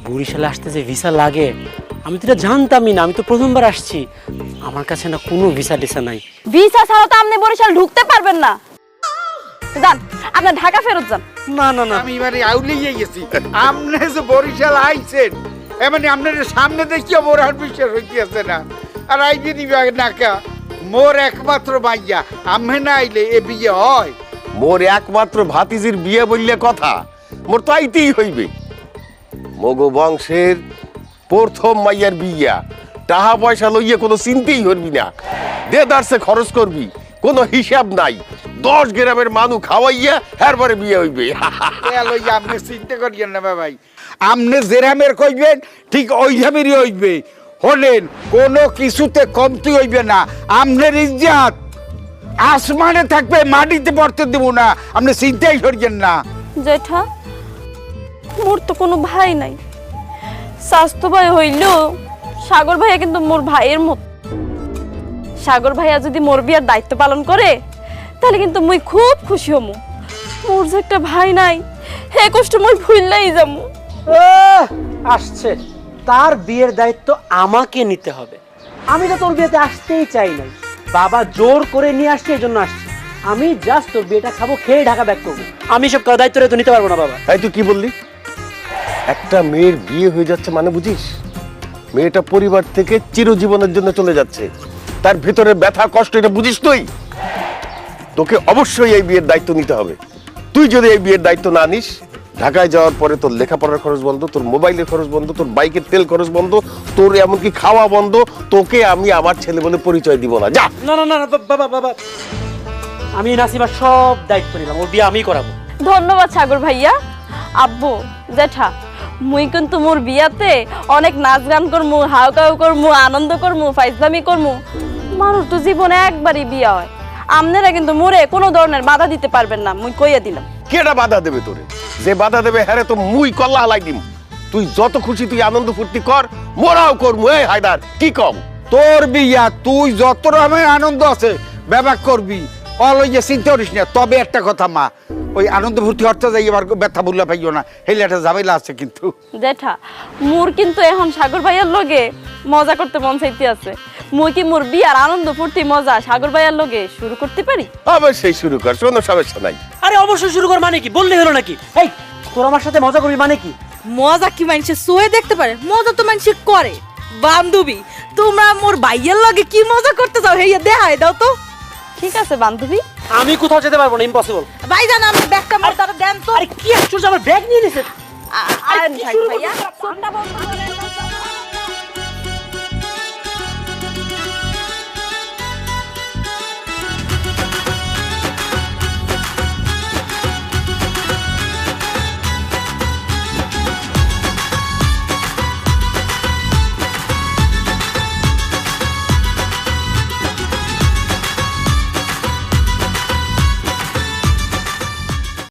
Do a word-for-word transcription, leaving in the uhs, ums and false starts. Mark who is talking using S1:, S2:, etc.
S1: বরিশালে আসতে যে ভিসা লাগে আমি তো এটা জানতামই না, আমি তো প্রথমবার আসছি। আমার কাছে না কোনো ভিসা টিসা নাই।
S2: ভিসা ছাড়া তো আপনি বরিশাল ঢুকতে পারবেন না। যান, আপনি ঢাকা ফেরত যান।
S1: না না না,
S3: আমি এবারে আউলিয়ে গেছি। আপনি যে বরিশাল আইছেন এমনি আপনার সামনে দেখিও মোর আর বিশ্বাস হইতেছে না। আর আইবি দিবে নাকা মোর একমাত্র মাইয়া, আমি না আইলে এ বিয়ে হয়?
S4: মোর একমাত্র ভাতিজির বিয়ে বললে কথা, মোর তো আইতেই হইবে। মগো বংশের প্রথম মাইয়ার বিয়া, টাকা পয়সা লইয়ে কোনো চিন্তাই করবি না, দেদারসে খরচ করবি, কোনো হিসাব নাই। দশ গ্রামের মানুষ খাওয়াইয়া এরপরে বিয়ে হইবে।
S3: লইয়া আপনি চিন্তা করিয়েন না ভাই, আপনি যেরামের কইবেন ঠিক ওই রামেরই হইবে। হলেন কোনো কিছুতে কমতি হইবে না। আপনার ইজ্জত আসমানে থাকবে, মাটিতে পড়তে দেব না, আপনি চিন্তাই করিয়েন না।
S2: জেঠা, মোর তো কোনো ভাই নাই। স্বাস্থ্য ভাই হইলেও সাগর ভাইয়া কিন্তু মোর ভাইয়ের মত। সাগর ভাইয়া যদি মোর বিয়ার দায়িত্ব পালন করে তাহলে কিন্তু মুই খুব খুশি হমু। মোর যে একটা ভাই নাই, হে কষ্ট মুই ভুললাই যামু।
S1: আসছে তার বিয়ের দায়িত্ব আমাকে নিতে হবে। আমি তো তোর বিয়েতে আসতেই চাই নাই, বাবা জোর করে নিয়ে আসছে, এই জন্য আসছি। আমি জাস্ট তোর বিয়েটা খাবো, খেয়ে ঢাকা ব্যাক করবো। আমি সব দায়িত্ব তো নিতে পারবো না বাবা।
S4: তাই তুই কি বললি? একটা মেয়ের বিয়ে হয়ে যাচ্ছে মানে বুঝিস? মেয়েটা পরিবার থেকে চিরজীবনের জন্য চলে যাচ্ছে, তার ভেতরে ব্যথা কষ্ট এটা বুঝিস তুই? তোকে অবশ্যই এই বিয়ের দায়িত্ব নিতে হবে। তুই যদি এই বিয়ের দায়িত্ব না নিস, ঢাকায় যাওয়ার পরে তোর লেখাপড়ার খরচ বন্ধ, তোর মোবাইলের খরচ বন্ধ, তোর বাইকের তেল খরচ বন্ধ, তোর এমনকি খাওয়া বন্ধ। তোকে আমি আমার ছেলে বলে পরিচয় দিব না। যা।
S1: না না না বাবা বাবা, আমি নাসিবার সব দায়িত্ব নিলাম, ওর বিয়ে আমি করাবো।
S2: ধন্যবাদ সাগর ভাইয়া। আব্বু, জেঠা, মুই কিন্তু মোর বিয়াতে অনেক নাচ গান করমু, হাউকাউ করমু, আনন্দ করমু, ফাইজলামি করমু। মানুষ তো জীবনে একবারই বিয়া হয়। আপনারা কিন্তু মোরে কোনো ধরনের বাধা দিতে পারবেন না, মুই কইয়া দিলাম।
S4: কেডা বাধা দেবে তোরে? যে বাধা দেবে হ্যারে তো মুই কল্লা হালাই দিম। তুই যত খুশি তুই আনন্দ ফুর্তি কর, মোরাও করমু। এই হায়দার কি কম?
S3: তোর বিয়া তুই যত রকমের আনন্দ আছে ব্যবহার করবি, অলইয়া চিন্তা করিস না। তবে একটা কথা মা, ওই আনন্দ ফুর্তি হতে যাই এবার ব্যথা বললে পাইও না, হেলে একটা ঝামেলা আছে কিন্তু।
S2: জেঠা, মোর কিন্তু এখন সাগর ভাইয়ার লগে মজা করতে মন চাইতে আছে। মুই কি মোর বিয়ার আনন্দ ফুর্তি মজা সাগর ভাইয়ার লগে শুরু করতে পারি?
S4: অবশ্যই শুরু কর, কোনো সমস্যা নাই।
S1: আরে অবশ্যই শুরু কর মানে কি? বললে হলো নাকি? এই তোর আমার সাথে মজা করবি মানে কি?
S5: মজা কি মানুষে সোয়ে দেখতে পারে? মজা তো মানুষে করে। বান্ধবী, তোমরা মোর ভাইয়ের লগে কি মজা করতে চাও হেইয়া দেখাই দাও তো।
S2: ঠিক আছে বান্ধবী।
S1: আমি কোথাও যেতে পারবো না, ইম্পসিবল।
S5: ভাইজান, আমার ব্যাগটা মোর দ্বারা দেন তো।
S1: আরে কি আসছো, আমার ব্যাগ নিয়ে নিছে।
S2: আ- আ- ভাইয়া, ছোট্ট বন্ধু।